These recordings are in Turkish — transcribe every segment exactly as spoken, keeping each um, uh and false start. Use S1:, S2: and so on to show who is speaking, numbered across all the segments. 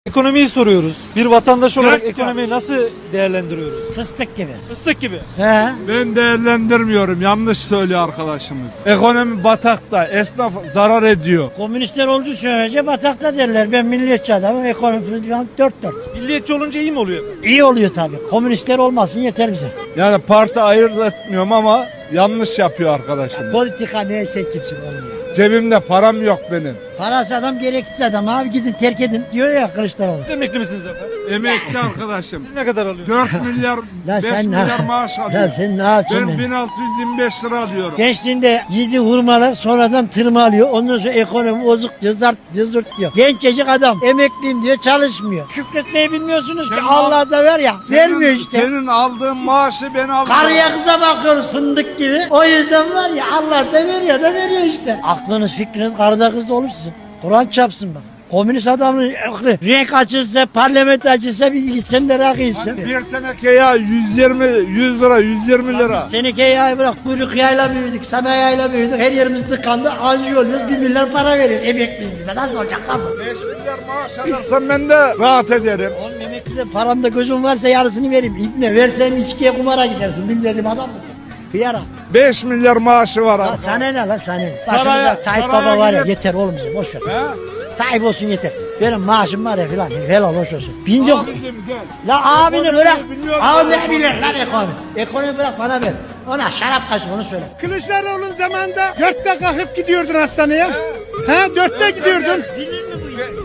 S1: Ekonomiyi soruyoruz. Bir vatandaş olarak
S2: Evet,
S1: ekonomiyi nasıl değerlendiriyoruz?
S2: Fıstık gibi.
S1: Fıstık gibi.
S2: He.
S3: Ben değerlendirmiyorum. Yanlış söylüyor arkadaşımız. Ekonomi batakta. Esnaf zarar ediyor.
S2: Komünistler olduğu sürece batakta derler. Ben milliyetçi adamım. Ekonomi falan dört dört.
S1: Milliyetçi olunca iyi mi oluyor?
S2: İyi oluyor tabii. Komünistler olmasın yeter bize.
S3: Yani parti ayırt etmiyorum ama yanlış yapıyor arkadaşımız.
S2: Politika neyse kimsin olmuyor.
S3: Cebimde param yok benim.
S2: Parası adam gereksiz adam. Abi gidin terk edin diyor ya Kılıçdaroğlu.
S1: Siz emekli misiniz efendim?
S3: Emekli arkadaşım.
S1: Siz ne kadar alıyorsunuz?
S3: dört milyar,
S2: Lan
S3: beş
S2: sen ne-
S3: milyar maaş
S2: Lan
S3: alıyorum.
S2: sen ne yapacaksın?
S3: Ben
S2: Ben
S3: bin altı yüz yirmi beş lira alıyorum.
S2: Gençliğinde yedi hurmalar sonradan tırmalıyor. Ondan sonra ekonomi bozuk diyor, zart diyor, zırt diyor. Gencecik adam emekliyim diyor çalışmıyor. Şükretmeyi bilmiyorsunuz ki
S3: Senin
S2: Allah da ver ya. vermiyor işte.
S3: Senin aldığın maaşı ben aldım.
S2: Karıya kıza bakıyoruz fındık gibi. O yüzden var ya Allah da veriyor da veriyor işte. Aklınız fikriniz karıda kızda olur sizin. Kur'an çapsın bak. Komünist adamın aklı renk açılsa, parlamento açılsa bir gitsen de rakı içsen.
S3: Bir teneke ya yüz yirmi, yüz lira, yüz yirmi lira.
S2: Teneke yağı bırak, kuyruk yağıyla büyüdük, sanayi yağıyla büyüdük, her yerimiz tıkandı, anji oluyoruz, bir milyar para veriyoruz, emekliyiz biz de, nasıl olacak lan bu?
S3: beş milyar maaş alırsam ben de rahat ederim.
S2: Oğlum emeklide paramda gözüm varsa yarısını vereyim, İbne versen içkiye kumara gidersin, bilmediğim adam mısın? Hıyara.
S3: beş milyar maaşı var
S2: Lan
S3: abi.
S2: sana ne lan sana ne?
S3: Saraya-
S2: Başımda Tayyip
S3: saraya
S2: Baba var ya
S3: gidip-
S2: yeter oğlum bize boş ver.
S3: He?
S2: Tayyip olsun yeter. Benim maaşım var ya filan helal hoş olsun. Bin yok.
S3: Abicim gel.
S2: La abini
S3: Ekonomiyi
S2: bırak.
S3: biliyorum.
S2: Abi ne bilir lan ekonomi. Ekonomi bırak bana ver. Ona şarap kaçtı onu söyle.
S4: Kılıçdaroğlu'nun zamanında dörtte kalkıp gidiyordun hastaneye. He dörtte gidiyordun.
S2: Bilir mi bu işi?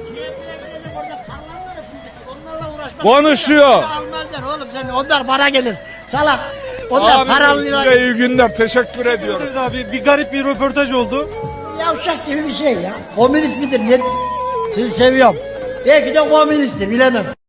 S2: Orada karlar var ya fındık, onlarla uğraşmak.
S3: Konuşuyor.
S2: Almazlar oğlum sen onlar bana gelir. Salak. Onlar
S3: Abi
S2: paralılar.
S3: size iyi günler. Teşekkür ediyorum.
S1: Evet abi bir garip bir röportaj oldu.
S2: Yavşak gibi bir şey ya. Komünist midir? Ne? Sizi seviyorum. Belki de komünisttir bilemem.